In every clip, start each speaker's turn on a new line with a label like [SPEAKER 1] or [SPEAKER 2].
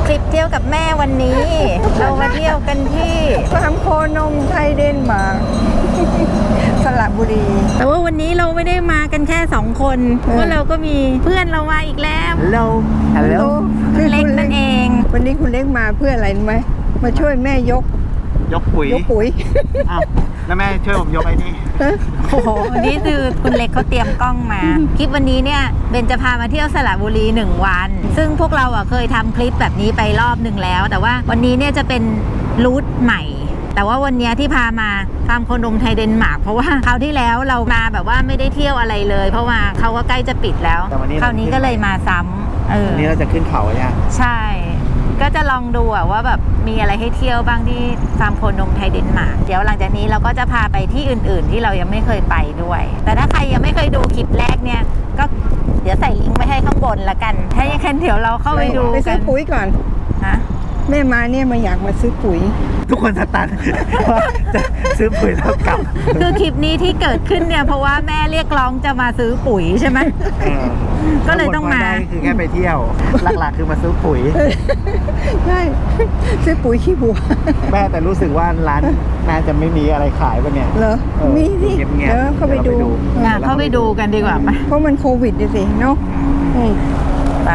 [SPEAKER 1] ทริปเที่ยวกับแม่วันนี้ เรามาเที่ยวกันที่
[SPEAKER 2] ฟาร์มโคนมไทยเดนมาร์ก สระบุรี
[SPEAKER 1] แต่ว่าวันนี้เราไม่ได้มากันแค่2 คนเพราะเราก็มีเพื่อนเรามาอีกแล้ว
[SPEAKER 2] ฮัลโหล
[SPEAKER 1] คุณเล็กนั่นเอง
[SPEAKER 2] วันนี้คุณเล็กมาเพื่ออะไรรู้ไหมมาช่วยแม่ยก
[SPEAKER 3] ปุ๋ย
[SPEAKER 2] ยกปุ๋ย
[SPEAKER 3] อ้าวแล้วแม่ช่วยผมยกไอ้นี่
[SPEAKER 1] โอ้โหวันนี้คือคุณเล็กเขาเตรียมกล้องมา คลิปวันนี้เนี่ยเบนจะพามาเที่ยวสระบุรี1 วัน ซึ่งพวกเราเคยทำคลิปแบบนี้ไปรอบหนึ่งแล้ว แต่ว่าวันนี้เนี่ยจะเป็นรูทใหม่ แต่ว่าวันนี้ที่พามาฟาร์มโคนมไทยเดนมาร์กเพราะว่าคราวที่แล้วเรามาแบบว่าไม่ได้เที่ยวอะไรเลย เพราะว่าเขาก็ใกล้จะปิดแล้วคราวนี้ก็เลยมาซ้ำ
[SPEAKER 3] วันนี้เราจะขึ้นเขาเนี่ย
[SPEAKER 1] ใช่ ก็จะลองดูว่าแบบมีอะไรให้เที่ยวบ้างที่ฟาร์มโคนมไทยเดนมาร์กเดี๋ยวหลังจากนี้เราก็จะพาไปที่อื่นๆที่เรายังไม่เคยไปด้วย แต่ถ้าใครยังไม่เคยดูคลิปแรกเนี่ยก็เดี๋ยวใส่ลิงก์ไว้ให้ข้างบนละกัน ถ้าอย่างนั้นเดี๋ยวเราเข้าไปดู
[SPEAKER 2] ไป
[SPEAKER 1] กั
[SPEAKER 2] ซื้อน ปุ๋ยก่อน
[SPEAKER 1] ฮะ
[SPEAKER 2] แม่มาเนี่ยมาอยากมาซื้อปุ๋ย
[SPEAKER 3] ทุกคนสตัน ว่าจะซื้อปุ๋ยแล้วกลับ
[SPEAKER 1] คือคลิปนี้ที่เกิดขึ้นเนี่ยเพราะว่าแม่เรียกร้องจะมาซื้อปุ๋ยใช่ไหม ก็เลยต้องมา
[SPEAKER 3] ได้คือแค่ไปเที่ยว หลักๆคือมาซื้อปุ๋ย
[SPEAKER 2] ใช่ ซื้อปุ๋ยขี้บัว
[SPEAKER 3] แม่แต่รู้สึกว่าร้านน่าจะไม่มีอะไรขายป่ะเนี่ย
[SPEAKER 2] เหรอ มีสิ
[SPEAKER 3] เงียบๆ
[SPEAKER 2] เดี๋ยวเข้าไปดู
[SPEAKER 1] เข้าไปดูกันดีกว่าไหม
[SPEAKER 2] เพราะมันโควิดดิสิเนาะอืม
[SPEAKER 1] ไป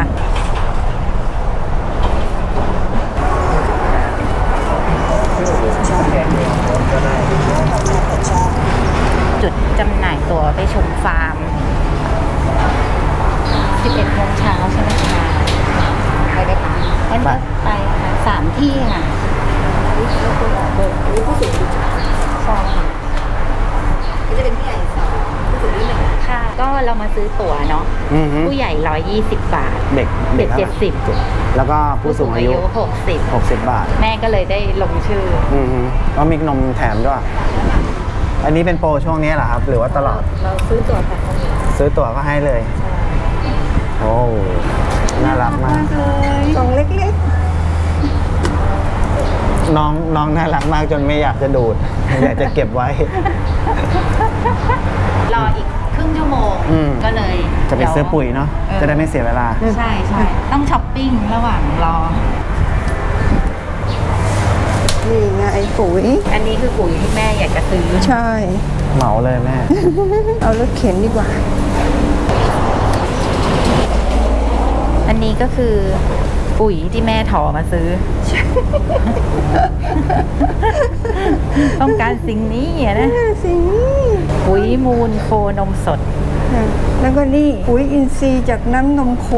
[SPEAKER 1] จุดจำหน่ายตั๋วไปชมฟาร์ม 11 โมงเช้าใช่ไหมคะไปได้ปะงั้นก็ไปค่ะ3 ที่ค่ะใช่ค่ะก็จะเป็นผู้ใหญ่2ผู้สูงอายุ1ค่ะ ก็เรามาซื้อตั๋วเนาะ ผู้ใหญ่120 บาท
[SPEAKER 3] เด็ก
[SPEAKER 1] เด็ก
[SPEAKER 3] ท่าไหร่
[SPEAKER 1] 70
[SPEAKER 3] แล้วก็ผู้สูงอายุ
[SPEAKER 1] 60
[SPEAKER 3] บาท
[SPEAKER 1] แม่ก็เลยได้ลงชื่อ
[SPEAKER 3] ก็มีนมแถมด้วย อันนี้เป็นโปรช่วงนี้เหรอครับ หรือว่าตลอด
[SPEAKER 1] เราซื้อตั๋วแบบนี้
[SPEAKER 3] ซื้อตั๋วก็ให้เลย โอ้ น่ารักมาก
[SPEAKER 2] กล่องเล็ก
[SPEAKER 3] น้องน่ารักมากจนไม่อยากจะดูด อยากจะเก็บไว้
[SPEAKER 1] รออีกครึ่งชั่วโมง ก็เลย
[SPEAKER 3] จะไปซื้อปุ๋ยเนาะ จะได้ไม่เสียเวลา
[SPEAKER 1] ใช่ใช่ต้องช้อปปิ้งระหว่างรอ
[SPEAKER 2] ๆ นี่ไงปุ๋ย
[SPEAKER 1] อันนี้คือปุ๋ยที่แม่อยากจะซื้อ
[SPEAKER 2] ใช่
[SPEAKER 3] เหมาเลยแม่
[SPEAKER 2] เอารถเข็นดีกว่า
[SPEAKER 1] อันนี้ก็คือปุ๋ยที่แม่ถอมาซื้อ ต้องการสิ่งนี้อะนะ
[SPEAKER 2] สิ่งนี้
[SPEAKER 1] ปุ๋ยมูลโคนมสด
[SPEAKER 2] แล้วก็นี่ปุ๋ยอินทรีย์จากน้ำนมโค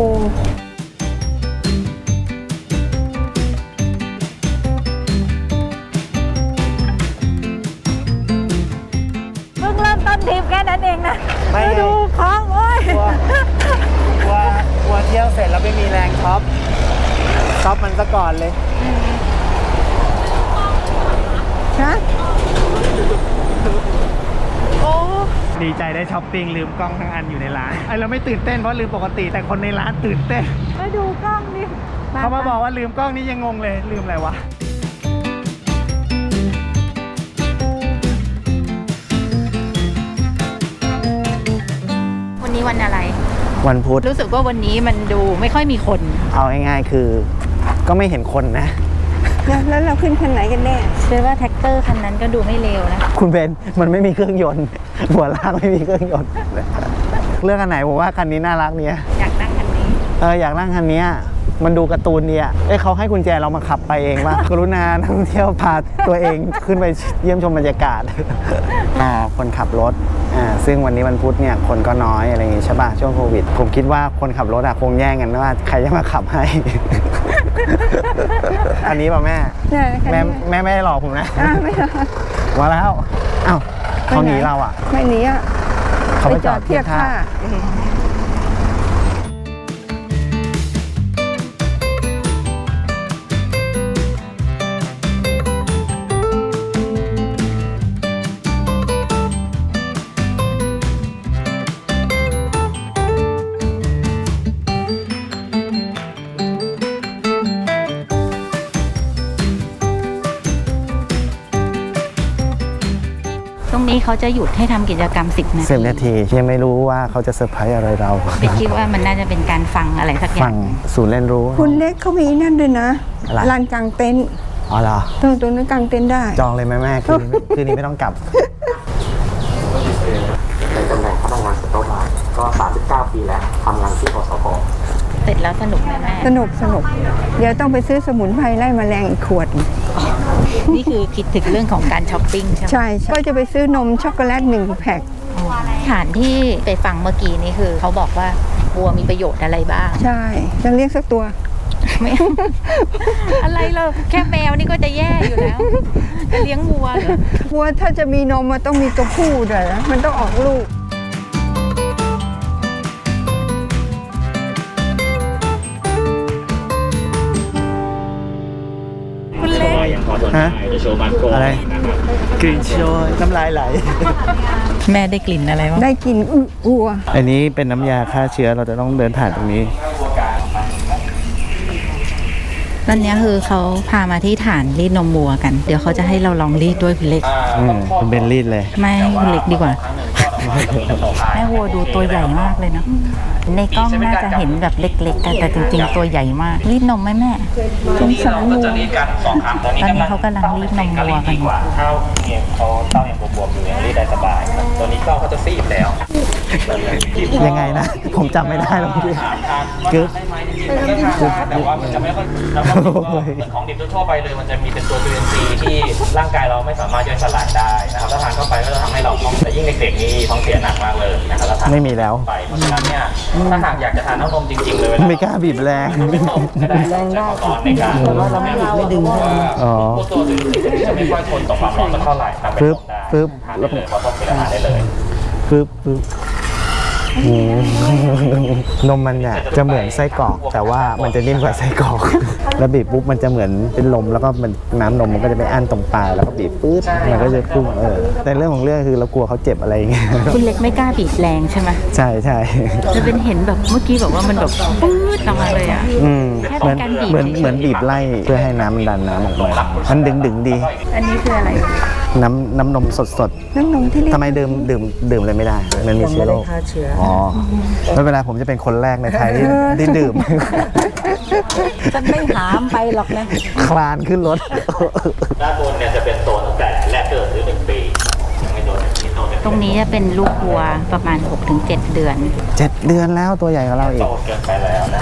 [SPEAKER 1] เพิ่งเริ่มต้นทริปแค่นั้นเองนะ
[SPEAKER 3] ไม่
[SPEAKER 1] ดูของโอ้ย
[SPEAKER 3] กลัวเที่ยวเสร็จแล้วไม่มีแรงช็อปมันซะก่อนเลย
[SPEAKER 2] ฮะ
[SPEAKER 1] โอ้
[SPEAKER 3] ดีใจได้ช้อปปิ้งลืมกล้องทั้งอันอยู่ในร้านไอเราไม่ตื่นเต้นเพราะลืมปกติแต่คนในร้านตื่นเต้น
[SPEAKER 1] มาดูกล้องดิ
[SPEAKER 3] เขามาบอกว่าลืมกล้องนี่ยังงงเลยลืมอะไรวะ
[SPEAKER 1] วันนี้วันอะไร
[SPEAKER 3] วันพุธ
[SPEAKER 1] รู้สึกว่าวันนี้มันดูไม่ค่อยมีคน
[SPEAKER 3] เอาง่ายๆคือ ก็ไม่เห็นคนนะ
[SPEAKER 2] แล้วเราขึ้นคันไหนกันแน่
[SPEAKER 1] เชื่อว่าแท็กเตอร์คันนั้นก็ดูไม่เลวนะ
[SPEAKER 3] คุณเบนมันไม่มีเครื่องยนต์ หัวลากไม่มีเครื่องยนต์เรื่องอันไหนผมว่าคันนี้น่ารักเนี่ย
[SPEAKER 1] อยากนั่งคันนี้
[SPEAKER 3] อยากนั่งคันนี้มันดูการ์ตูนดีอ่ะเขาให้กุญแจเรามาขับไปเองว่ากรุณานักท่องเที่ยวพาตัวเองขึ้นไปเยี่ยมชมบรรยากาศ คนขับรถซึ่งวันนี้วันพุธเนี่ยคนก็น้อยอะไรอย่างงี้ใช่ป่ะช่วงโควิดผมคิดว่าคนขับรถคงแย่งกันว่าใครจะมาขับให้ อันนี้ป่ะแม่ แม่ไม่ได้หลอกผมนะ
[SPEAKER 2] ไม่หรอก
[SPEAKER 3] มาแล้วอ้าวเขาหนีเราอ่ะ
[SPEAKER 2] ไม่หนีอ่ะ
[SPEAKER 3] เขาไปจอดเทียบท่า
[SPEAKER 1] ตรงนี้นี่เขาจะหยุดให้ทำกิจกรรม10 นาที
[SPEAKER 3] 10 นาทียังไม่รู้ว่าเขาจะเซอร์ไพรส์อะไรเรา
[SPEAKER 1] ไปคิดว่ามันน่าจะเป็นการฟังอะไรสักอย่า
[SPEAKER 3] ฟั
[SPEAKER 1] ง
[SPEAKER 3] งศูนย์เรียนรู้
[SPEAKER 2] คุณเล็กเขามีนั่นด้วยนะ
[SPEAKER 3] อะไร
[SPEAKER 2] ลานกลางเต็นท์
[SPEAKER 3] อ๋อเหรอ
[SPEAKER 2] ตรงนั้นกลางเต็นท์ได้
[SPEAKER 3] จองเลยไหมแม่คืนนี้ไม่ต้องกลับ
[SPEAKER 4] ในตำแหน่งพนักงานสต๊อกก็ 39 ปีแล้วทำงานที่อสพ
[SPEAKER 1] เสร็จแล้วสนุกไหมแม่
[SPEAKER 2] สนุก เดี๋ยวต้องไปซื้อสมุนไพรไล่แมลงอีกขวด
[SPEAKER 1] นี่คือคิดถึงเรื่องของการช้อปปิ้งใช่ไหม
[SPEAKER 2] ใช่ก็จะไปซื้อนมช็อกโกแลต1 แพ็ค
[SPEAKER 1] ฐานที่ไปฟังเมื่อกี้นี่คือเขาบอกว่าวัวมีประโยชน์อะไรบ้าง
[SPEAKER 2] ใช่จะเรียกสักตัว
[SPEAKER 1] ไม่ อะไรเราแค่แมวนี่ก็จะแย่อยู่แล้วจะเลี้ยงวัวเหรอ
[SPEAKER 2] วัวถ้าจะมีนมมันต้องมีตัวผู้ด้วยนะมันต้องออกลูก
[SPEAKER 1] คุณเล็ก
[SPEAKER 3] ฮะอะไรกลิ่นโชยน้ำลายไหล
[SPEAKER 1] แม่ได้กลิ่นอะไรบ้าง
[SPEAKER 2] ได้กินวัว
[SPEAKER 3] อันนี้เป็นน้ำยาฆ่าเชื้อเราจะต้องเดินผ่านตรงนี้
[SPEAKER 1] นั่นเนี้ยคือเขาพามาที่ฐานรีดนมวัวกัน เดี๋ยวเขาจะให้เราลองรีดด้วยคุณเล็ก
[SPEAKER 3] คุณเบนรีดเลย
[SPEAKER 1] ไม่ให้คุณเล็กดีกว่า แม่วัวดูตัวใหญ่มากเลยเนาะในกล้องน่าจะเห็นแบบเล็กๆกันแต่จริงๆตัวใหญ่มากรีดนมไหมแม่
[SPEAKER 2] สงสารวัว
[SPEAKER 4] จะรีดกัน2 ครั้งตอนนี้
[SPEAKER 1] ตอนนี้เขากำลังรีดนมวัวกัน
[SPEAKER 4] ดีกว่าเท้าเนี่ยเขาเต้ายังบวมๆอยู่ยังรีดได้สบายครับตัวนี้เขาจะซีดแล้ว
[SPEAKER 3] ยังไงนะ ผมจำไม่ได้แล้วพี่กึ๊บ
[SPEAKER 4] แต่ว่ามันจะไม่ค่อยแล้วก็เหมือนของดิบทั่วไปเลยมันจะมีเป็นตัวจุลินทรีย์ที่ร่างกายเราไม่สามารถย่อยสลายได้นะครับถ้าทานเข้าไปก็จะทำให้เราท้องแต่ยิ่งเด็กๆนี่ท้องเสียหนักมากเลยนะครับถ้าทาน
[SPEAKER 3] ไม่มีแล้ว
[SPEAKER 4] ไปเพราะฉะนั้นเนี่ยถ้าหากอยากจะทานน้ำนมจริงๆเลย
[SPEAKER 3] ไม่กล้าบีบแรง
[SPEAKER 4] แรงได้ในการแต่ว่าเราไม่ดึง
[SPEAKER 3] อ๋อ
[SPEAKER 4] ตัวจุลินทรีย์จะไม่ค่อยทนต่อความร้อนสักเท่าไหร่ทำเป็น
[SPEAKER 3] ปึ๊บ
[SPEAKER 4] นมได้ทานได้เลยเพราะต้องเป็นอาหารได้เลย
[SPEAKER 3] ปึ๊บนมมันเนี่ยจะเหมือนไส้กรอก แต่ว่ามันจะนิ่มกว่าไส้กรอก แล้วบีบปุ๊บมันจะเหมือนเป็นลมแล้วก็มันน้ำนมมันก็จะไปอั้นตรงปลายแล้วก็บีบปุ๊บมันก็จะพุ่งแต่เรื่องของเรื่องคือเรากลัวเขาเจ็บอะไรอย่างเงี้ย
[SPEAKER 1] คุณเล็กไม่กล้าบีบแรงใช่ไหม
[SPEAKER 3] ใช่ใช่
[SPEAKER 1] จะเป็นเห็นแบบเมื่อกี้แบบว่ามันแบบปื๊ดออกมาเลยอ่ะ แค่เป็นการบีบ
[SPEAKER 3] เหมือน
[SPEAKER 1] เฉยๆ
[SPEAKER 3] เหมือนบีบไล่เพื่อให้น้ำมันดันน้ำออกมามันดึงดี
[SPEAKER 1] อันนี้คืออะไร
[SPEAKER 3] น้ำนมสด
[SPEAKER 2] น้ำนมที่เรีย
[SPEAKER 3] ๆ
[SPEAKER 2] ก
[SPEAKER 3] ทำไมดื่มเลยไม่ได้ มันมีเชื้อโรคอ๋อไม่เป็นไรผมจะเป็นคนแรกในไทยที่ดื่ม
[SPEAKER 1] จะไม่หามไปหรอกนะ
[SPEAKER 3] คลานขึ้นรถ
[SPEAKER 4] ด้านบนเนี่ยจะเป็นโซนตั้งแต่แรกเกิดหรือ1 ปียังไม่โดนที่โต
[SPEAKER 1] ตรงนี้จะเป็นลูกวัวประมาณ 6-7 เดือน
[SPEAKER 3] 7 เดือนแล้วตัวใหญ่กว่าเราอี
[SPEAKER 4] โต
[SPEAKER 3] ก
[SPEAKER 4] เกินไปแล้วนะ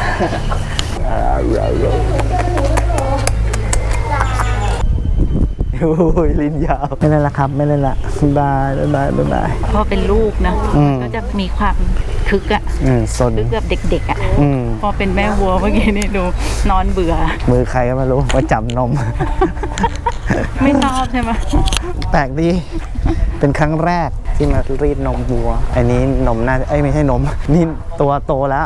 [SPEAKER 3] โอ้ยลิ้นยาวไม่เล่นละครับไม่เล่นละได้ได้
[SPEAKER 1] เพราะเป็นลูกนะ
[SPEAKER 3] อืม
[SPEAKER 1] ก็จะมีความคึกอะ
[SPEAKER 3] ซน
[SPEAKER 1] คึกแบบเด็กๆอะ
[SPEAKER 3] อืม
[SPEAKER 1] พอเป็นแม่วัวเมื่อกี้นี่ดูนอนเบื่อ
[SPEAKER 3] มือใครก็ไม่รู้ว่าจับนม
[SPEAKER 1] ไม่ชอบใช่ไหม
[SPEAKER 3] แปลกดี เป็นครั้งแรกที่มารีดนมวัว อันนี้นมน่าไม่ใช่นม นี่ตัวโตแล้ว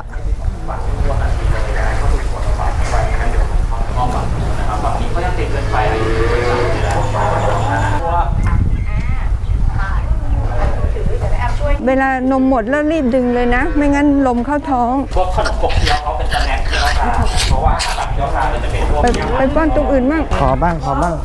[SPEAKER 2] เวลานมหมดแล้วรีบดึงเลยนะ ไม่งั้นลมเข้าท้อง
[SPEAKER 4] พวกขนมขบเคี้ยวเขาเป็นสแน็คที่เขาทานเพราะว่าอาหารเคี้ยวทานมันจะเป็นพวก
[SPEAKER 2] ไปป้อนตรงอื่นมั่ง
[SPEAKER 3] ขอบ้าง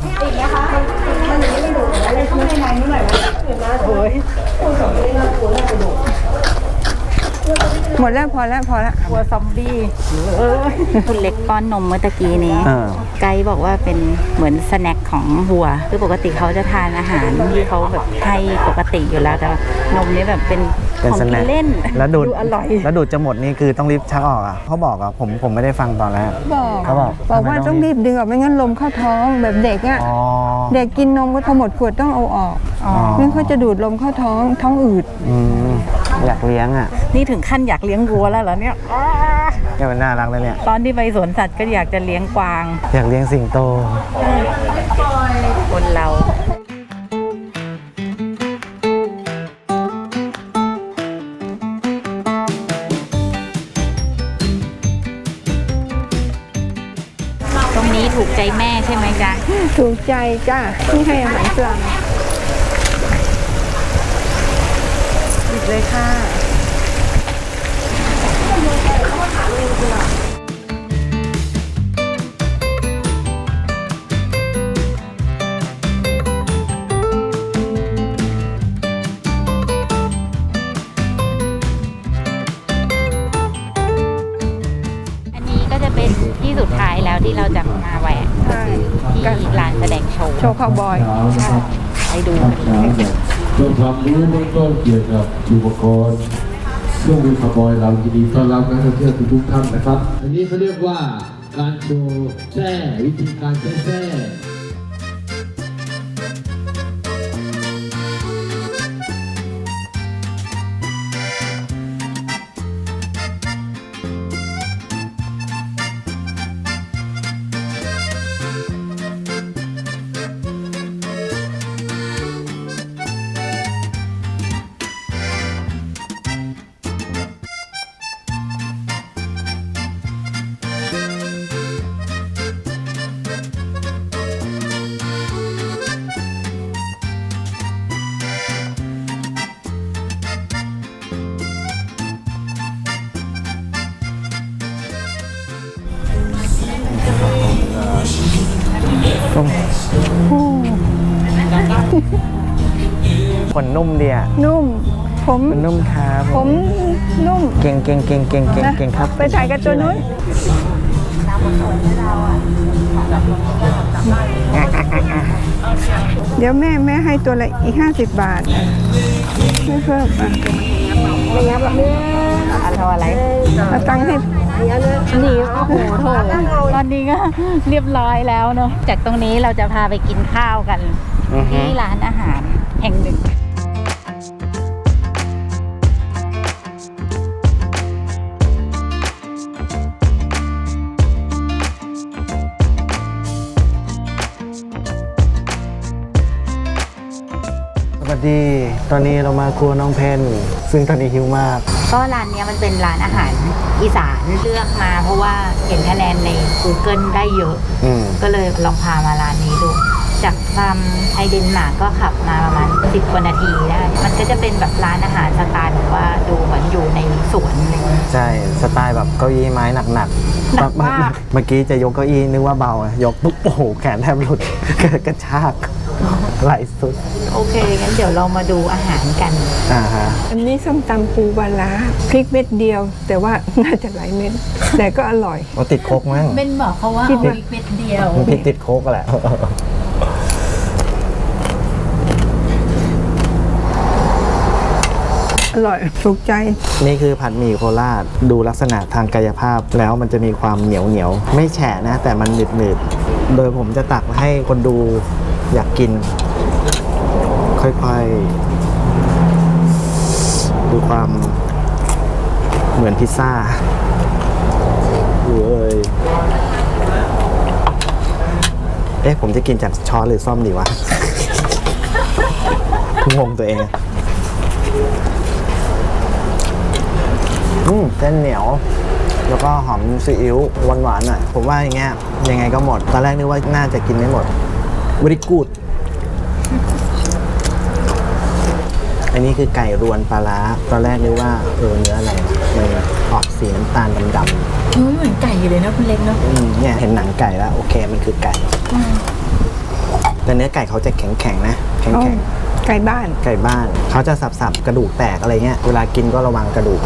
[SPEAKER 2] หมดแล้วพอแล้ว
[SPEAKER 1] วัวซอมบี้คุณเล็กป้อนนมเมื่อตะกี้นี้
[SPEAKER 3] อ่า
[SPEAKER 1] ไกด์บอกว่าเป็นเหมือนสแน็คของวัว คือปกติเขาจะทานอาหารที่เขาแบบให้ปกติอยู่แล้วแต่ว่านมนี้แบบเป็น
[SPEAKER 3] เป็น
[SPEAKER 1] ของ
[SPEAKER 3] ส
[SPEAKER 1] กิ
[SPEAKER 3] แน็
[SPEAKER 1] น
[SPEAKER 3] ค
[SPEAKER 1] เล่น
[SPEAKER 3] แล้วดูด
[SPEAKER 1] อร่อย
[SPEAKER 3] แล้วดูดจะหมดนี่คือต้องรีบชักออกอ่ะเขาบอกอ่ะผมไม่ได้ฟังตอนแรก เขาบอก
[SPEAKER 2] ว่าต้องรีบดึงออกไม่งั้นลมเข้าท้องแบบเด็กอ่ะ
[SPEAKER 3] อ๋อ
[SPEAKER 2] เด็กกินนมก็พอหมดขวดต้องเอาออก
[SPEAKER 3] อ๋อ
[SPEAKER 2] งั้นเขาจะดูดลมเข้าท้องอืด
[SPEAKER 3] อยากเลี้ยงอ่ะ
[SPEAKER 1] นี่ถึงขั้นอยากเลี้ยงวัวแล้วเหรอเนี่ย
[SPEAKER 3] เนี่ยมันน่ารักเลยเนี่ย
[SPEAKER 1] ตอนที่ไปสวนสัตว์ก็อยากจะเลี้ยงกวาง
[SPEAKER 3] อยากเลี้ยงสิงโต
[SPEAKER 1] คนเรา ตรงนี้ถูกใจแม่ใช่ไหมจ๊ะ
[SPEAKER 2] ถูกใจจ้าที่ให้อาหารปลาปิดเลยค่ะ
[SPEAKER 1] ที่เราจะมาแวะ
[SPEAKER 2] ใช่
[SPEAKER 1] ที่ร้านแสดงโชว์
[SPEAKER 2] โชว์คาวบอย
[SPEAKER 1] ไปดูกันเลย
[SPEAKER 5] เพื่อความรู้เบื้องต้นเกี่ยวกับอุปกรณ์เครื่องมือคาร์บอยเรายินดีต้อนรับนักท่องเที่ยวทุกท่านนะครับ อันนี้เขาเรียกว่าการโชว์แช่วิธีการแช่
[SPEAKER 3] ขนนุ่มดีอ่ะ
[SPEAKER 2] นุ่ม ผม
[SPEAKER 3] มันนุ่มครับ
[SPEAKER 2] ผมนุ่ม
[SPEAKER 3] เก่งครับ
[SPEAKER 2] ไปถ่ายกับตัวนู้น เดี๋ยวแม่ให้ตัวละอีก50 บาทไม่เพิ่มอ่ะ
[SPEAKER 1] อะไร
[SPEAKER 2] เอาตังค์ให้
[SPEAKER 1] นี่โอ้โหโถตอนนี้ก็เรียบร้อยแล้วเนอะจากตรงนี้เราจะพาไปกินข้าวกัน
[SPEAKER 3] อือฮึ
[SPEAKER 1] ที่ร้านอาหารแห่งหนึ่ง
[SPEAKER 3] สวัสดี ตอนนี้เรามาครัวน้องเพนซึ่งตอนนี้หิวมาก
[SPEAKER 1] ก็ร้านเนี้ยมันเป็นร้านอาหารอีสานเลือกมาเพราะว่าเห็นคะแนนใน Google ได้เยอะ ก็เลยลองพามาร้านนี้ดู จากฟาร์มไทยเดนมาร์กก็ขับมาประมาณ10 กว่านาทีได้ มันก็จะเป็นแบบร้านอาหารสไตล์แบบว่าดูเหมือนอยู่ในสวนเลย
[SPEAKER 3] ใช่ สไตล์แบบเก้าอี้ไม้หนัก
[SPEAKER 1] หนักมาก
[SPEAKER 3] เมื่อกี้จะยกเก้าอี้นึกว่าเบาอะยกปุ๊บโอ้โหแขนแทบหลุด กระชากไหลสุด
[SPEAKER 1] โอเค งั้นเดี๋ยวเรามาดูอาหารกัน
[SPEAKER 3] ฮะ
[SPEAKER 2] อันนี้ส้มตำปูปลาร้าพริกเม็ดเดียว แต่ว่าน่าจะหลายเม็ด แต่ก็อร่อย
[SPEAKER 3] เอาติดโคกมั้ง
[SPEAKER 1] เป็นบอกเขาว่า
[SPEAKER 2] คิด
[SPEAKER 1] เอา
[SPEAKER 2] ว่า
[SPEAKER 1] พริกเม็ดเดียว
[SPEAKER 3] มันพริกติดโคกแหละ
[SPEAKER 2] อร่อยถูกใจ
[SPEAKER 3] นี่คือผัดหมี่โคราชดูลักษณะทางกายภาพแล้วมันจะมีความเหนียวไม่แฉะนะ แต่มันหนืดโดยผมจะตักให้คนดูอยากกิน ค่อยๆดูความเหมือนพิซซ่าเอ้ยผมจะกินจากช้อนหรือซ่อมดีวะ งงตัวเองเส้นเหนียว แล้วก็หอมซีอิ๊วหวานๆหน่อยผมว่าอย่างเงี้ยยังไงก็หมด ตอนแรกนึกว่าน่าจะกินไม่หมดวริกูดอันนี้คือไก่รวนปลาร้าตอนแรกนึกว่าเนื้ออะไรมันออกสีน้ำตาลดำ
[SPEAKER 1] เหมือนไก่เลยนะคุณเล็กเนาะ
[SPEAKER 3] ๆเนี่ยเห็นหนังไก่แล้วโอเคมันคือไก่ แต่เนื้อไก่เขาจะแข็งๆนะแข็งๆ
[SPEAKER 2] ไก่บ้าน
[SPEAKER 3] ไก่บ้านเขาจะสับๆกระดูกแตกอะไรเงี้ยเวลากินก็ระวังกระดูก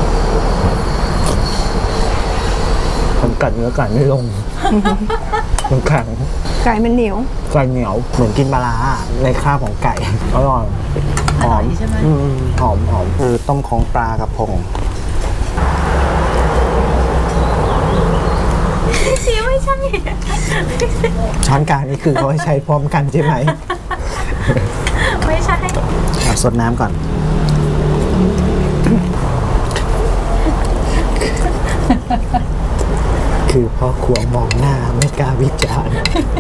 [SPEAKER 3] ผมกัดเนื้อไก่ไม่ลง มันแข็ง
[SPEAKER 2] ไก่มันเหนียว
[SPEAKER 3] ไก่เหนียวเหมือนกินปลาร้าในคราบของไก่อร่อยหอมหอมคือต้มของปลากระพง
[SPEAKER 1] ไม่ใช่
[SPEAKER 3] ช้อนกลางนี่คือเขาให้ใช้พร้อมกันใช่ไหม
[SPEAKER 1] ไม่ใช่
[SPEAKER 3] สดน้ำก่อน คือพ่อครัวมองหน้าไม่กล้าวิจารณ์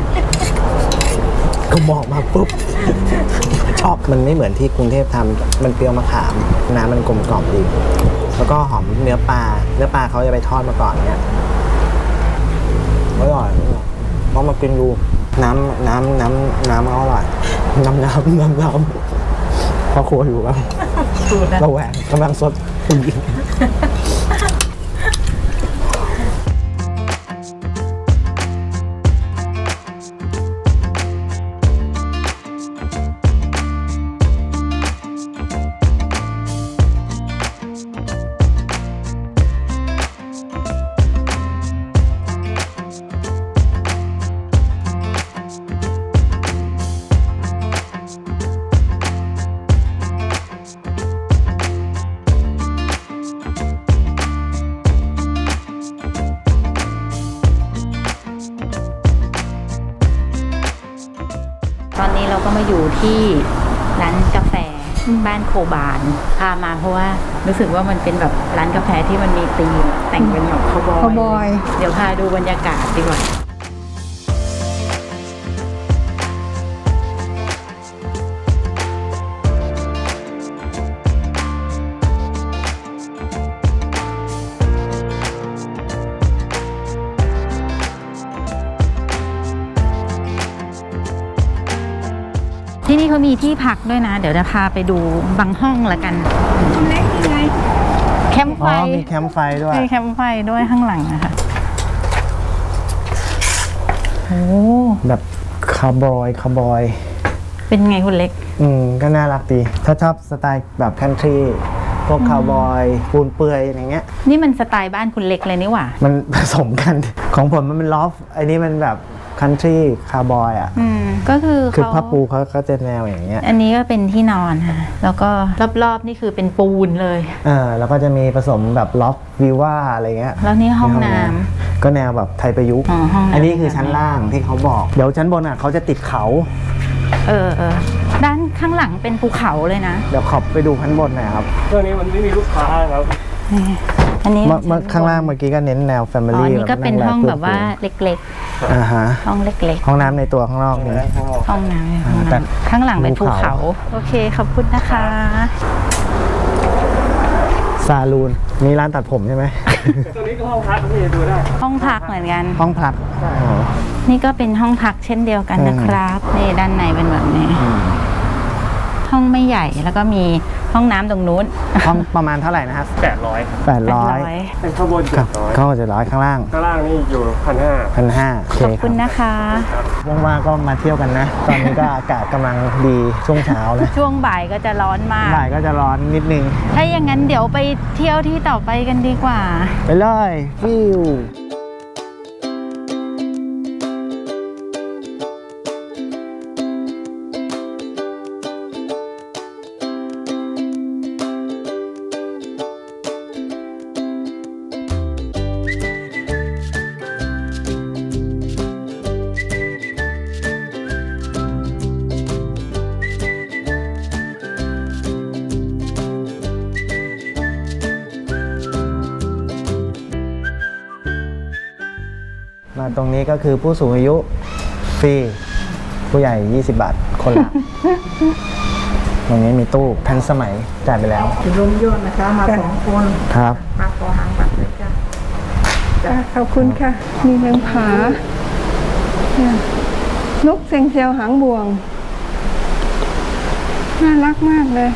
[SPEAKER 3] ก็มองมาปุ๊บ ชอบมันไม่เหมือนที่กรุงเทพทำมันเปรี้ยวมะขามน้ำมันกลมกล่อมดี แล้วก็หอมเนื้อปลาเขาจะไปทอดมาก่อนเนี่ยอร่อยลองมากินดูน้ำอร่อยน้ำพ่อครัวอยู่บ้างระแวงกำลังสด
[SPEAKER 1] ตอนนี้เราก็มาอยู่ที่ร้านกาแฟบ้านโคบานพามาเพราะว่ารู้สึกว่ามันเป็นแบบร้านกาแฟที่มันมีธีมแต่งเป็นแบบคาวบอย
[SPEAKER 2] คาวบอย
[SPEAKER 1] เดี๋ยวพาดูบรรยากาศดีกว่าที่นี่เขามีที่พักด้วยนะ เดี๋ยวจะพาไปดูบางห้องละกัน
[SPEAKER 2] เล็กยังไง
[SPEAKER 1] แคมป์ไฟ
[SPEAKER 3] อ๋อมีแคมป์ไฟด้วย
[SPEAKER 1] มีแคมป์ไฟด้วยข้างหลังนะคะโอ้
[SPEAKER 3] แบบคาวบอย
[SPEAKER 1] เป็นไงคุณเล็ก
[SPEAKER 3] ก็น่ารักดี ถ้าชอบสไตล์แบบคันทรีพวกคาวบอยปูนเปื่อยอย่างเงี้ย
[SPEAKER 1] นี่มันสไตล์บ้านคุณเล็กเลยนี่หว่า
[SPEAKER 3] มันผสมกัน ของผมมันเป็นลอฟไอ้นี่มันแบบคันทรีคาวบอยอ่ะ
[SPEAKER 1] ก็คือ
[SPEAKER 3] คือ
[SPEAKER 1] เขา
[SPEAKER 3] ผ้าปูเขาก็จะแนวอย่างเงี้ย
[SPEAKER 1] อันนี้ก็เป็นที่นอนค่ะแล้วก็รอบๆนี่คือเป็นปูนเลย
[SPEAKER 3] แล้วก็จะมีผสมแบบล็อกวิว่าอะไรเงี้ย
[SPEAKER 1] แล้วนี่ห้องน้ำ
[SPEAKER 3] ก็แนวแบบไทยประยุกต์
[SPEAKER 1] อ๋อห้องน้ำ
[SPEAKER 3] อันนี้คือชั้นล่างที่เขาบอก เดี๋ยวชั้นบนอ่ะเขาจะติดเขา
[SPEAKER 1] เออด้านข้างหลังเป็นภูเขาเลยนะ
[SPEAKER 3] เดี๋ยวขอบไปดูชั้นบนหน่อยครับ
[SPEAKER 4] ตัวนี้มันไม่มีลูกค้าครับ
[SPEAKER 1] นี่อันนี้
[SPEAKER 3] เมื่อข้างล่างเมื่อกี้ก็เน้นแนวแฟมิ
[SPEAKER 1] อ๋อ
[SPEAKER 3] ลี่
[SPEAKER 1] อันนี้ก็เป็นห้องแบบว่าเล็ก
[SPEAKER 3] อ่าฮะ
[SPEAKER 1] ๆห้องเล็ก
[SPEAKER 3] ห้องน้ำในตัวข้างนอกนี่
[SPEAKER 1] ๆห้องน้ำ
[SPEAKER 3] แต่
[SPEAKER 1] ข้างหลังเป็นภู
[SPEAKER 3] ภูเขา
[SPEAKER 1] เขาโอเคขอบคุณนะคะ
[SPEAKER 3] ซาลูนมีร้านตัดผมใช่ไหม
[SPEAKER 4] ตัวนี้ก็ห้องพักที่ดูได้
[SPEAKER 1] ห้องพักเหมือนกัน
[SPEAKER 3] ห้องพักอ๋อ
[SPEAKER 1] นี่ก็เป็นห้องพักเช่นเดียวกันนะครับนี่ด้านในเป็นแบบนี้ ห้องไม่ใหญ่แล้วก็มีห้องน้ำตรงนู้น
[SPEAKER 3] ห้องประมาณเท่าไหร่นะครับ
[SPEAKER 4] 800
[SPEAKER 3] 800
[SPEAKER 4] เป็นข้างบน
[SPEAKER 3] ครับ
[SPEAKER 4] 700
[SPEAKER 3] เข้า700ข้างล่าง
[SPEAKER 4] ข้างล่างนี่อยู่ 1,500
[SPEAKER 3] 1,500โอเค
[SPEAKER 1] ขอบ
[SPEAKER 3] ค
[SPEAKER 1] คุ
[SPEAKER 3] รั
[SPEAKER 1] ณ
[SPEAKER 3] บ
[SPEAKER 1] นะคะ
[SPEAKER 3] ว่างๆก็มาเที่ยวกันนะ ตอนนี้ก็อากาศกำลังดีช่วงเช้านะ
[SPEAKER 1] ช่วงบ่ายก็จะร้อนมาก
[SPEAKER 3] บ่ายก็จะร้อนนิดนึง
[SPEAKER 1] ถ้าอย่างนั้นเดี๋ยวไปเที่ยวที่ต่อไปกันดีกว่า
[SPEAKER 3] ไปเลยฟิวมาตรงนี้ก็คือผู้สูงอายุฟรีผู้ใหญ่ 20 บาทคนละ ตรงนี้มีตู้ทันสมัยจ่ายไปแล้ว
[SPEAKER 2] ลมโยนนะคะ มา2 คน
[SPEAKER 3] ครับ
[SPEAKER 2] มาขอหางบัตรเลยจ้ะจ้ะขอบคุณค่ะ มีแมงผาเนี่ยนกเซ็งเซลหางบ่วง น่ารักมากเลย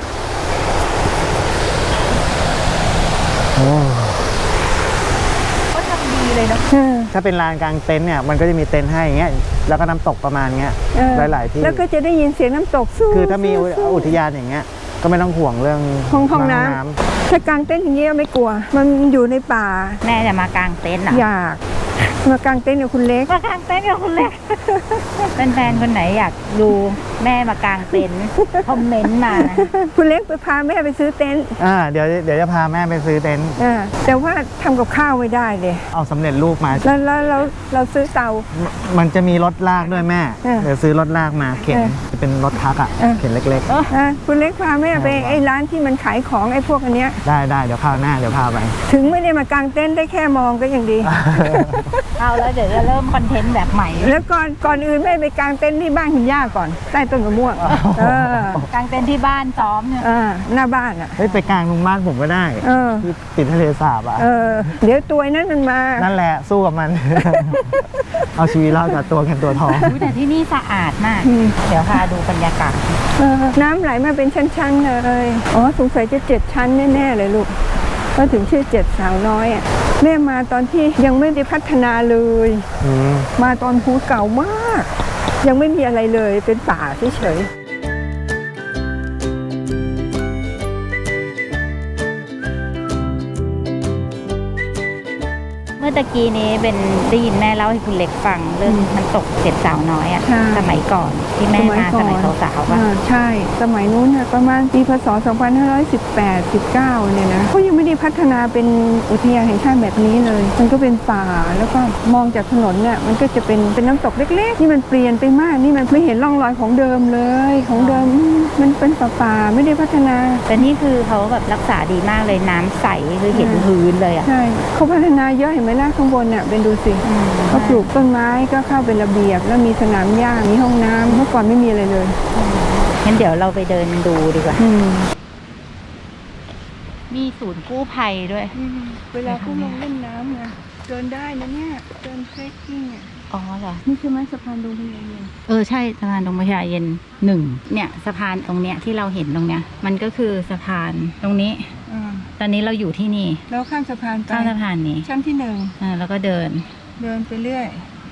[SPEAKER 3] โอ้
[SPEAKER 1] ก็ทำดีเลยเนาะ
[SPEAKER 3] ถ้าเป็นลานกลางเต็นท์เนี่ยมันก็จะมีเต็นท์ให้อย่างเงี้ยแล้วก็น้ำตกประมาณเงี้ย
[SPEAKER 2] เออ
[SPEAKER 3] หลายๆที่
[SPEAKER 2] แล้วก็จะได้ยินเสียงน้ำตกสู้
[SPEAKER 3] คือถ้ามีอุทยานอย่างเงี้ยก็ไม่ต้องห่วงเรื่อง
[SPEAKER 2] ห้องน้ำถ้ากางเต็นท์อย่างเงี้ยไม่กลัว มันอยู่ในป่า
[SPEAKER 1] แม่จะมากางเต็นท์เหรอ
[SPEAKER 2] อยากมากางเต็นท์กับคุณเล็ก
[SPEAKER 1] มากางเต็นท์กับคุณเล็ก แฟนๆคนไหนอยากดูแม่มากางเต็นท์คอมเมนต์มานะ
[SPEAKER 2] คุณเล็กไปพาแม่ไปซื้อเต็นท์
[SPEAKER 3] เดี๋ยวจะพาแม่ไปซื้อเต็นท์
[SPEAKER 2] แต่ว่าทำกับข้าวไม่ได้เลย
[SPEAKER 3] เอาสำเร็จรูปมา
[SPEAKER 2] แล้วเราซื้อเตา
[SPEAKER 3] มันจะมีรถลากด้วยแม่ เดี๋ยวซื้อรถลากมาเข็น
[SPEAKER 2] เออ
[SPEAKER 3] จะเป็นรถทักอ่ะ
[SPEAKER 2] เออ
[SPEAKER 3] เข็นเล็ก
[SPEAKER 2] คุณเล็กพาแม่ไปไอ้ร้านที่มันขายของไอ้พวกอันเนี้ย
[SPEAKER 3] ๆ ได้เดี๋ยวคราวหน้าเดี๋ยวพาไป
[SPEAKER 2] ถึงไม่ได้มากางเต็นท์ได้แค่มองก็ยังดี
[SPEAKER 1] เอาแล้วเดี๋ยวจะเริ่มคอนเทนต์แบบใหม่
[SPEAKER 2] แล้วก่อนอื่นแม่ไปกางเต็นท์ที่บ้านคุณย่าก่อนใต้ต้นมะม่วงเ
[SPEAKER 1] กางเต็นท์ที่บ้านซ้อมเนี่ย
[SPEAKER 2] หน้าบ้านอ่ะ
[SPEAKER 3] เฮ้ยไปกลางตรงบ้านผมก็ได้ ที่ติดทะเลสาบอ่ะ
[SPEAKER 2] เดี๋ยวตัวนั้นมันมา
[SPEAKER 3] นั่นแหละสู้กับมัน เอาชีวิตรอดกับตัวเงินตัวทอง
[SPEAKER 1] อุ๊ยแต่ที่นี่สะอาดมาก เดี๋ยวพาดูบรรยากาศ
[SPEAKER 2] น้ำไหลมาเป็นชั้นๆเลยอ๋อสงสัยจะ7 ชั้นแน่ๆเลยลูกก็ถึงชื่อ7 สาวน้อยอ่ะแม่มาตอนที่ยังไม่ได้พัฒนาเลย มาตอนภูเก่ามาก ยังไม่มีอะไรเลยเป็นป่าเฉยๆ
[SPEAKER 1] เมื่อมื่อตะกี้นี้เป็นได้ยินแม่เล่าให้คุณเล็กฟังเรื่องน้ำตกเจ็ดสาวน้อยอะ
[SPEAKER 2] ใช่
[SPEAKER 1] สมัยก่อนที่แม่มาสมัยสาวๆป่ะ
[SPEAKER 2] ใช่ สมัยนู้นน่ะประมาณปีพศ 2518 19เนี่ยนะเขายังไม่ได้พัฒนาเป็นอุทยานแห่งชาติแบบนี้เลย มันก็เป็นป่าแล้วก็มองจากถนนเนี่ยมันก็จะเป็นน้ำตกเล็กๆนี่มันเปลี่ยนไปมากนี่มันไม่เห็นร่องรอยของเดิมเลยของเดิมมันเป็นป่าๆไม่ได้พัฒนา
[SPEAKER 1] แต่นี่คือเขาแบบรักษาดีมากเลยน้ำใสคือเห็นพื้นเลยอ่ะ
[SPEAKER 2] ใช่เขาพัฒนาเยอะเห็นไหมล่ะข้างบนเนี่ยเป็นดูสิเขาปลูกต้นไม้ก็เข้าเป็นระเบียบแล้วมีสนามหญ้ามีห้องน้ำเมื่อก่อนไม่มีอะไรเลย
[SPEAKER 1] งั้นเดี๋ยวเราไปเดินดูดีกว่า
[SPEAKER 2] อืม
[SPEAKER 1] มีศูนย์กู้ภัยด้วย
[SPEAKER 2] เวลาเขาลงเล่นน้ำไงเดินได้นะเนี่ยเดินเทรคกิ้งอ่ะ
[SPEAKER 1] อ๋อเหรอ
[SPEAKER 2] นี่ใช่ไหมสะพานดงพญาเย็น
[SPEAKER 1] ใช่สะพานตรงพญาเย็น1เนี่ยสะพานตรงเนี้ยที่เราเห็นตรงเนี้ยมันก็คือสะพานตรงนี้ ตอนนี้เราอยู่ที่นี่
[SPEAKER 2] แล้วข้ามสะพานไป
[SPEAKER 1] ข้ามสะพานนี้
[SPEAKER 2] ชั้นที่
[SPEAKER 1] แล้วก็เดิน
[SPEAKER 2] 1เดินไปเรื่อย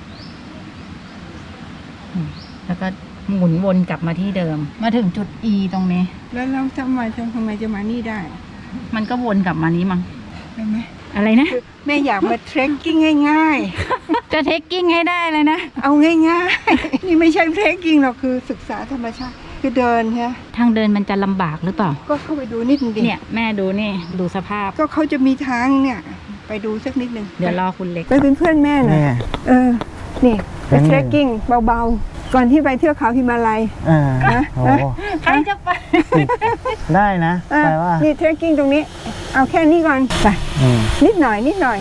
[SPEAKER 1] แล้วก็หมุนวนกลับมาที่เดิม มาถึงจุด E ตรงนี้
[SPEAKER 2] แล้วเราทำไมจะมานี่ได้
[SPEAKER 1] มันก็วนกลับมานี้มั้ง
[SPEAKER 2] เห็นไหม
[SPEAKER 1] อะไรนะ
[SPEAKER 2] แม่อยากมาเทรคกิ้งง่าย
[SPEAKER 1] จะเทคกิ้งให้ได้เลยนะ
[SPEAKER 2] ๆ เอาง่ายๆ นี่ไม่ใช่เทรคกิ้งหรอกคือศึกษาธรรมชาติคือเดินฮะ
[SPEAKER 1] ทางเดินมันจะลำบากหรือเปล่า
[SPEAKER 2] ก็เข้าไปดูนิดนึงดิ
[SPEAKER 1] เนี่ยแม่ดูนี่ดูสภาพ
[SPEAKER 2] ก็เขาจะมีทางเนี่ยไปดูสักนิดนึง
[SPEAKER 1] เดี๋ยวรอคุณเล็ก
[SPEAKER 2] ไปเป็นเพื่อนแม่หน่อย
[SPEAKER 3] เนี่ย
[SPEAKER 2] นี่ไปเทรคกิ้งเบาๆ ก่อนที่ไปเที่ยวเขาฮิมาลัย นะ
[SPEAKER 3] โอ้
[SPEAKER 1] ใครจะไป
[SPEAKER 3] ได้นะ
[SPEAKER 2] อ่ะ
[SPEAKER 3] แปลว่า
[SPEAKER 2] นี่เทรคกิ้งตรงนี้ เอาแค่นี้ก่อนไป
[SPEAKER 3] อืม
[SPEAKER 2] นิดหน่อย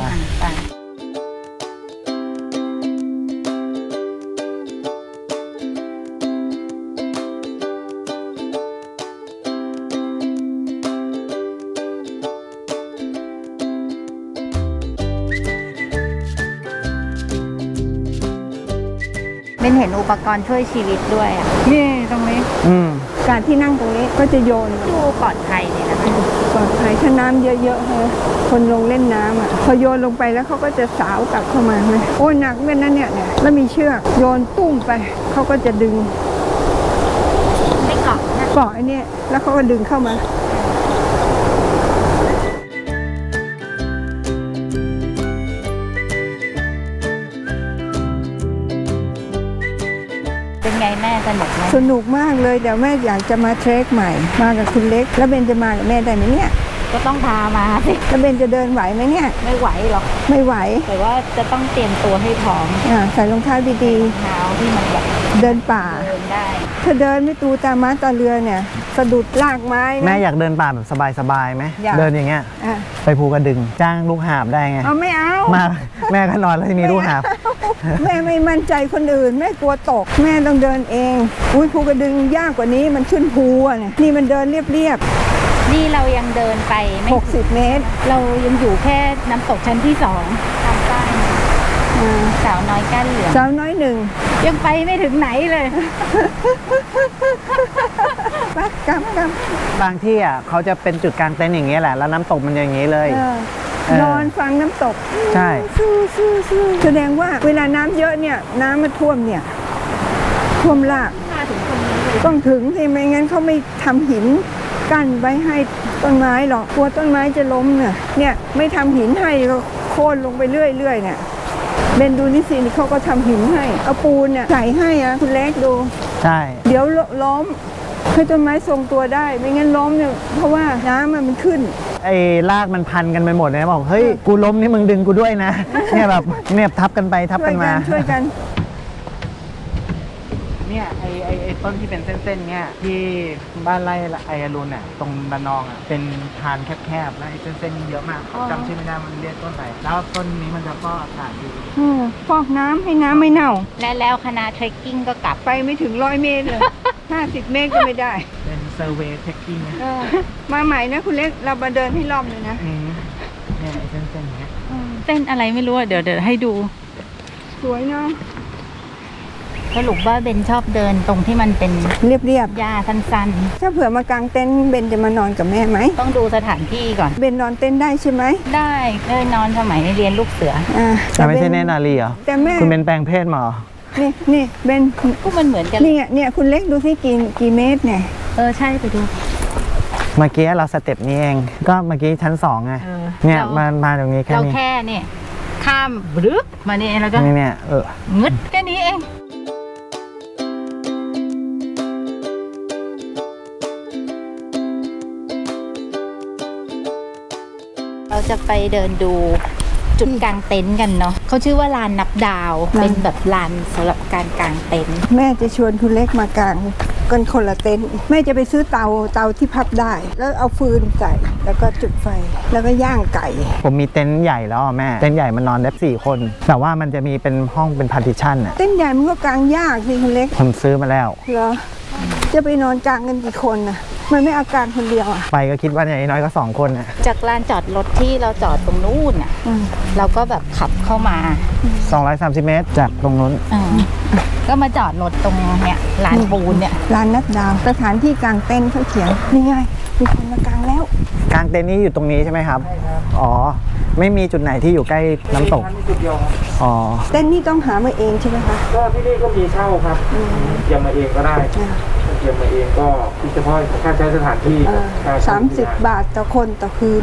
[SPEAKER 1] เป็นเห็นอุปกรณ์ช่วยชีวิตด้วยอ่ะ
[SPEAKER 2] นี่ตรงนี้
[SPEAKER 3] อืม
[SPEAKER 2] การที่นั่งตรงนี้ก็จะโยน
[SPEAKER 1] ดูปลอดภัยเลยนะคะ
[SPEAKER 2] ปลอดภัยถ้าน้ำเยอะๆฮะคนลงเล่นน้ำอ่ะพอโยนลงไปแล้วเขาก็จะสาวกลับเข้ามาไหมโอ้ยหนักเหมือนนั่นเนี่ยแล้วมีเชือกโยนตุ้มไปเขาก็จะดึง
[SPEAKER 1] ไม่เกาะนะ
[SPEAKER 2] เกาะไอ้เนี่ยแล้วเขาก็ดึงเข้ามา
[SPEAKER 1] เป็นไงแม่สนุกไหม
[SPEAKER 2] สนุกมากเลยเดี๋ยวแม่อยากจะมาเทรคใหม่ มากับคุณเล็ก แล้วเบนจะมากับแม่ได้ไหมเนี่ย
[SPEAKER 1] ก็ต้องพามาสิ
[SPEAKER 2] แล้วเบนจะเดินไหวไหมเนี่ย
[SPEAKER 1] ไม่ไหวหรอก
[SPEAKER 2] ไม่ไหว
[SPEAKER 1] แต่ว่าจะต้องเตรียมตัวให้พร้อม
[SPEAKER 2] ใส่รองเท้าดี
[SPEAKER 1] เท้าที่มันแบบ
[SPEAKER 2] ๆ เดินป่า
[SPEAKER 1] เดินได้
[SPEAKER 2] ถ้าเดินไม่ตูตาม้าตาเรือเนี่ยสะดุดลากไม้นะ
[SPEAKER 3] แม่อยากเดินป่าแบบสบายๆไหม
[SPEAKER 2] อยาก
[SPEAKER 3] เดินอย่างเงี้ย
[SPEAKER 2] อ่ะ
[SPEAKER 3] ไปภูกระดึง จ้างลูกหาบได้ไง
[SPEAKER 2] เอาไม่เอา
[SPEAKER 3] มาแม่ก็นอนแล้วที่มีลูกหาบ
[SPEAKER 2] แม่ไม่มั่นใจคนอื่น แม่กลัวตก แม่ต้องเดินเอง อุ้ยภูกระดึงยากกว่านี้มันขึ้นภูอ่ะเนี่ยนี่มันเดินเรียบ
[SPEAKER 1] นี่เรายังเดินไปไม่
[SPEAKER 2] ๆ60 เมตร
[SPEAKER 1] เรายังอยู่แค่น้ำตกชั้นที่2ทางใต้
[SPEAKER 2] อ่า
[SPEAKER 1] สาวน้อยก้านเหลือง
[SPEAKER 2] สาวน้อยหนึ่ง
[SPEAKER 1] ยังไปไม่ถึงไหนเลย
[SPEAKER 2] ไปกำ
[SPEAKER 3] บางที่อ่ะเขาจะเป็นจุดกลางเต็นท์อย่างเงี้ยแหละ แล้วน้ำตกมันอย่างงี้เลย
[SPEAKER 2] นอนฟังน้ำตก
[SPEAKER 3] ใช่
[SPEAKER 2] สู้แสดงว่าเวลาน้ำเยอะเนี่ยน้ำมันท่วมเนี่ยท่วมลาก
[SPEAKER 1] มาถึงคนนี้เลย
[SPEAKER 2] ต้องถึงสิไม่งั้นเขาไม่ทำหินกั้นไว้ให้ต้นไม้หรอกกลัวต้นไม้จะล้มเนี่ยไม่ทำหินให้ก็โค่นลงไปเรื่อยๆเนี่ยเบนดูนี่สิเขาก็ทำหินให้เอาปูนเนี่ยใส่ให้อะคุณเล็กดู
[SPEAKER 3] ใช่
[SPEAKER 2] เดี๋ยวล้มให้ต้นไม้ทรงตัวได้ไม่งั้นล้มเนี่ยเพราะว่าน้ำมันขึ้น
[SPEAKER 3] ไอ้ลากมันพันกันไปหมดเลยบอกเฮ้ยกูล้มนี่มึงดึงกูด้วยนะ เนี่ยแบบเนี่ยทับกันไปทับ
[SPEAKER 2] ช่ว
[SPEAKER 3] กั
[SPEAKER 2] ย
[SPEAKER 3] น
[SPEAKER 2] กั
[SPEAKER 3] มา
[SPEAKER 2] นช่วยกัน
[SPEAKER 3] เนี่ยไอ้ต้นที่เป็นเส้นๆเนี่ยที่บ้านไร่ไออรุณเนี่ยตรงระนองอ่ะเป็นทานแคบๆแล้วไอ้เส้นๆนี่เยอะมากจำชื่อไม่ได้มันเรียกต้นไหนแล้วต้นนี้มันจะก็อากาศดี
[SPEAKER 2] ฟอกน้ำให้น้ำไม่เน่า
[SPEAKER 1] แล้วคณะเทรคกิ้งก็กลับ
[SPEAKER 2] ไปไม่ถึง100 เมตรเลย 50 เมตรก็ไม่ได้
[SPEAKER 3] เป็นเซอร์เวย์เทคกิ้ง
[SPEAKER 2] มาใหม่นะคุณเล็กเรามาเดินให้รอบเลยนะ
[SPEAKER 3] เนี่ยไอ้เส้นๆเนี้ย
[SPEAKER 1] เต้นอะไรไม่รู้อะเดี๋ยวให้ดู
[SPEAKER 2] สวยเนาะ
[SPEAKER 1] สรุปว่าเบนชอบเดินตรงที่มันเป็น
[SPEAKER 2] เรียบ
[SPEAKER 1] หญ้าสั้น
[SPEAKER 2] ๆถ้าเผื่อมากางเต็นท์เบนจะมานอนกับแม่ไหม
[SPEAKER 1] ๆ ต้องดูสถานที่ก่อน
[SPEAKER 2] เบนนอนเต็นท์ได้ใช่ไหม
[SPEAKER 1] ได้เคยนอนสมัยเรียนลูกเสือ
[SPEAKER 3] แต่ไม่ใช่เนตรนารีเหรอ
[SPEAKER 2] แต่แม่
[SPEAKER 3] คุณเป็นแปลงเพศมาเหรอ
[SPEAKER 2] นี่เบน
[SPEAKER 1] ก็มันเหมือนกัน
[SPEAKER 2] เนี่ยคุณเล็กดูสิกี่เมตรเนี่ย
[SPEAKER 1] ใช่ไปดู
[SPEAKER 3] เมื่อกี้เราสเต็ปนี้เองก็เมื่อกี้ชั้น2ไง
[SPEAKER 1] เออ
[SPEAKER 3] เนี่ย
[SPEAKER 1] เรา
[SPEAKER 3] มาตรงนี้แค่
[SPEAKER 1] เรา
[SPEAKER 3] นี้
[SPEAKER 1] แค่เนี่ยขข้ามบรึ๊บมานี่แล้วก็
[SPEAKER 3] เนี่ย
[SPEAKER 1] งึดแค่นี้เองเราจะไปเดินดูจุดกางเต็นท์กันเนาะเขาชื่อว่าลานนับดาวเป็นแบบลานสำหรับการกางเต็นท์
[SPEAKER 2] แม่จะชวนคุณเล็กมากางกันคนละเต็นท์แม่จะไปซื้อเตาที่พับได้ แล้วเอาฟืนใส่แล้วก็จุดไฟแล้วก็ย่างไก่
[SPEAKER 3] ผมมีเต็นท์ใหญ่แล้วแม่เต็นท์ใหญ่มันนอนได้4 คนแต่ว่ามันจะมีเป็นห้องเป็นพาร์ติชันอ่ะ
[SPEAKER 2] เต็นท์ใหญ่มันก็กางยากสิคุณเล็ก
[SPEAKER 3] ผมซื้อมาแล้ว
[SPEAKER 2] เหรอจะไปนอนกางกันกี่คนน่ะมันไม่เอากางคนเดียวอ่ะ
[SPEAKER 3] ไปก็คิดว่าอย่างน้อยก็2 คนอ่ะ
[SPEAKER 1] จากลานจอดรถที่เราจอดตรงนู้นอ่ะ
[SPEAKER 2] อืม
[SPEAKER 1] เราก็แบบขับเข้ามา
[SPEAKER 3] 230 เมตรจากตรงนู้น
[SPEAKER 1] ก็มาจอดรถตรงเนี้ยลานปูนเนี่ย
[SPEAKER 2] ร้านนัดดาวสถานที่กางเต็นท์เขาเขียนนี่ไงมีคนมากางแล้ว
[SPEAKER 3] กลางเต็นท์นี้อยู่ตรงนี้ใช่ไหมครับอ๋อไม่มีจุดไหนที่อยู่ใกล้น้ำตก
[SPEAKER 4] จุดเดียวครับ
[SPEAKER 3] อ๋อ
[SPEAKER 2] เต็นท์นี่ต้องหามาเองใช่ไหมคะ
[SPEAKER 4] ก็ที่นี่ก็มีเช่าครับเตรียมมาเองก็ได้เตรียมมาเองก็เฉพาะค่าใช้สถานที่ค่าใช้
[SPEAKER 2] 30 บาทต่อคนต่อคืน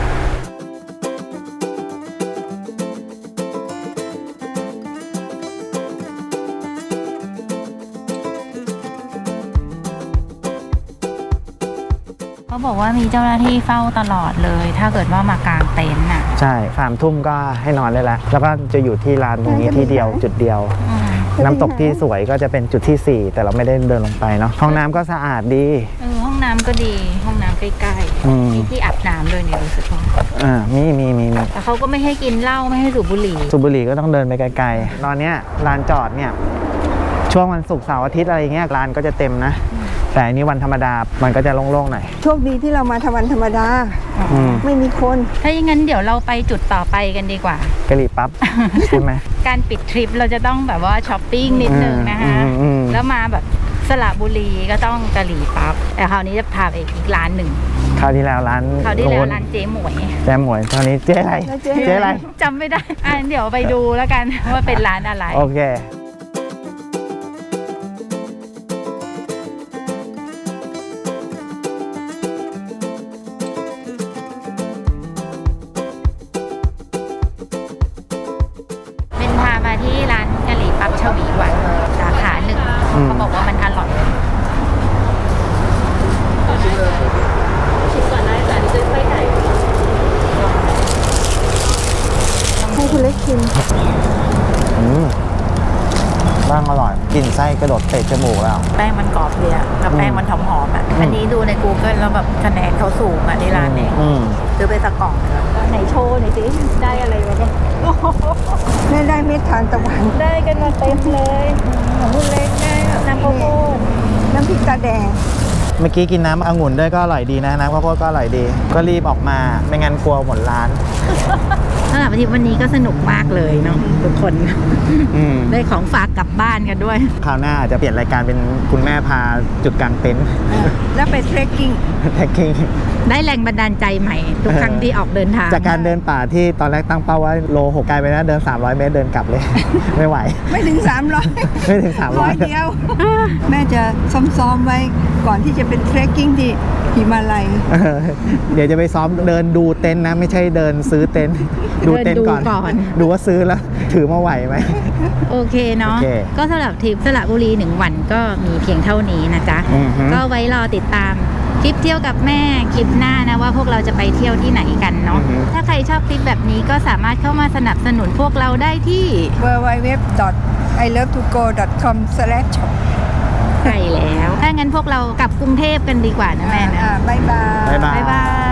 [SPEAKER 1] เขาบอกว่ามีเจ้าหน้าที่เฝ้าตลอดเลย ถ้าเกิดว่ามากางเต็นท์อ่ะ
[SPEAKER 3] ใช่3 ทุ่มก็ให้นอนได้แล้วแล้วก็จะอยู่ที่ลานตรงนี้ที่เดียวจุดเดียว น้ำตกที่สวยก็จะเป็นจุดที่ 4 แต่เราไม่ได้เดินลงไปเนาะห้องน้ำก็สะอาดดี
[SPEAKER 1] ห้องน้ำก็ดีห้องน้ำใกล้
[SPEAKER 3] อืม
[SPEAKER 1] ๆมีที่อาบน้ำด้วยเนี่ยรู้สึกว่า
[SPEAKER 3] มี
[SPEAKER 1] แต่เขาก็ไม่ให้กินเหล้าไม่ให้สูบบุหรี่
[SPEAKER 3] สูบบุหรี่ก็ต้องเดินไปไกลๆตอนเนี้ยลานจอดเนี่ยช่วงวันศุกร์เสาร์อาทิตย์อะไรเงี้ยลานก็จะเต็มนะแต่อันนี้วันธรรมดามันก็จะโล่งๆหน่อย
[SPEAKER 2] โชคดีที่เรามาทำวันธรรมดา
[SPEAKER 3] อืม
[SPEAKER 2] ไม่มีคน
[SPEAKER 1] ถ้าอย่างนั้นเดี๋ยวเราไปจุดต่อไปกันดีกว่า
[SPEAKER 3] กะหรี่ปั๊บ ใช่ไหม
[SPEAKER 1] การปิดทริปเราจะต้องแบบว่าช้อปปิ้งนิดนึงนะคะ
[SPEAKER 3] อืม
[SPEAKER 1] แล้วมาแบบสระบุรีก็ต้องกะหรี่ปั๊บแต่คราวนี้จะพาไปอีกร้านหนึ่ง
[SPEAKER 3] คราวที่แล้วร้าน
[SPEAKER 1] คราวที่แล้ว
[SPEAKER 3] โน้น
[SPEAKER 1] ร้านเจ๊หมวย
[SPEAKER 3] แจ๊หมวยคราวนี้เจ๊อะไร
[SPEAKER 2] แล้วเจ๊
[SPEAKER 3] เจ๊อะไร
[SPEAKER 1] จำไม่ได้เดี๋ยวไปดูแล้วกันว่าเป็นร้านอะไร
[SPEAKER 3] โอเค
[SPEAKER 1] เป็นพามาที่ร้านกะหรี่ปั๊บชวีวันสาขาหนึ่ง เขาบอกว่ามันอร่อยชิมก่อนได้แต่นี่ด้วยไส้ไก่
[SPEAKER 2] ให้คุณเล็กชิม
[SPEAKER 3] บ้างอร่อยกลิ่นไส้กระโดดเตะจมูกแล้ว
[SPEAKER 1] แป้งมันกรอบเลยอะแล้วแป้งมันหอมๆอะอันนี้ดูใน Google แล้วแบบคะแนนเขาสูงอะในร้านนี้ ซื้อไปสักกล่องเลยไหนโชว์หน่อยสิได้อะไรมาบ้าง
[SPEAKER 2] แม่ได้เม็ดทานตะวัน
[SPEAKER 1] ได้กันมาเต็มเลยของคุณเล็กได้น้ำข้าวโพด
[SPEAKER 2] น้ำพริกตาแดง
[SPEAKER 3] เมื่อกี้กินน้ำองุ่นด้วยก็อร่อยดีนะน้ำข้าวโพดก็อร่อยดี ก็รีบออกมาไม่งั้นกลัวหมดร้าน
[SPEAKER 1] สำหรับวันนี้ก็สนุกมากเลยเนาะทุกคน ได้ของฝากกลับบ้านกันด้วย
[SPEAKER 3] คราวหน้าอาจจะเปลี่ยนรายการเป็นคุณแม่พาจุดกลางเต็นท์
[SPEAKER 2] แล้วไปเทรคกิ้ง
[SPEAKER 3] แท็กกิ้ง
[SPEAKER 1] ได้แรงบันดาลใจใหม่ ทุกครั้งที่ออกเดินทาง
[SPEAKER 3] จากการเดินป่าที่ตอนแรกตั้งเป้าว่าโล 6กลายไปนะเดิน300 เมตรเดินกลับเลย ไม่ไหว
[SPEAKER 2] ไม่ถึง 300
[SPEAKER 3] ไม่ถึง
[SPEAKER 2] ร้อยเดียว แม่จะซ้อมๆไว้ก่อนที่จะเป็นเทรคกิ้งที่หิมาลัย
[SPEAKER 3] เดี๋ยวจะไปซ้อมเดินดูเต็นท์นะ ไม่ใช่เดินซื้อเต็นท์ดูเต็นท์ก่อน
[SPEAKER 1] เดินดูก่อน
[SPEAKER 3] ดูว่าซื้อแล้ว ถือมาไหวไหม
[SPEAKER 1] โอเคเนาะ
[SPEAKER 3] โอเค
[SPEAKER 1] ก็สำหรับทริปสระบุรี1 วันก็มีเพียงเท่านี้นะจ๊ะ
[SPEAKER 3] อือฮึ
[SPEAKER 1] ก็ไว้รอติดตามคลิปเที่ยวกับแม่คลิปหน้านะว่าพวกเราจะไปเที่ยวที่ไหนกันเนาะ ถ้าใครชอบคลิปแบบนี้ก็สามารถเข้ามาสนับสนุนพวกเราได้ที่
[SPEAKER 2] www.ilovetogo.com/shop
[SPEAKER 1] ใช่แล้ว ถ้างั้นพวกเรากลับกรุงเทพกันดีกว่านะแม่นะ
[SPEAKER 2] บ๊ายบาย
[SPEAKER 3] บ๊ายบาย
[SPEAKER 1] บ๊ายบาย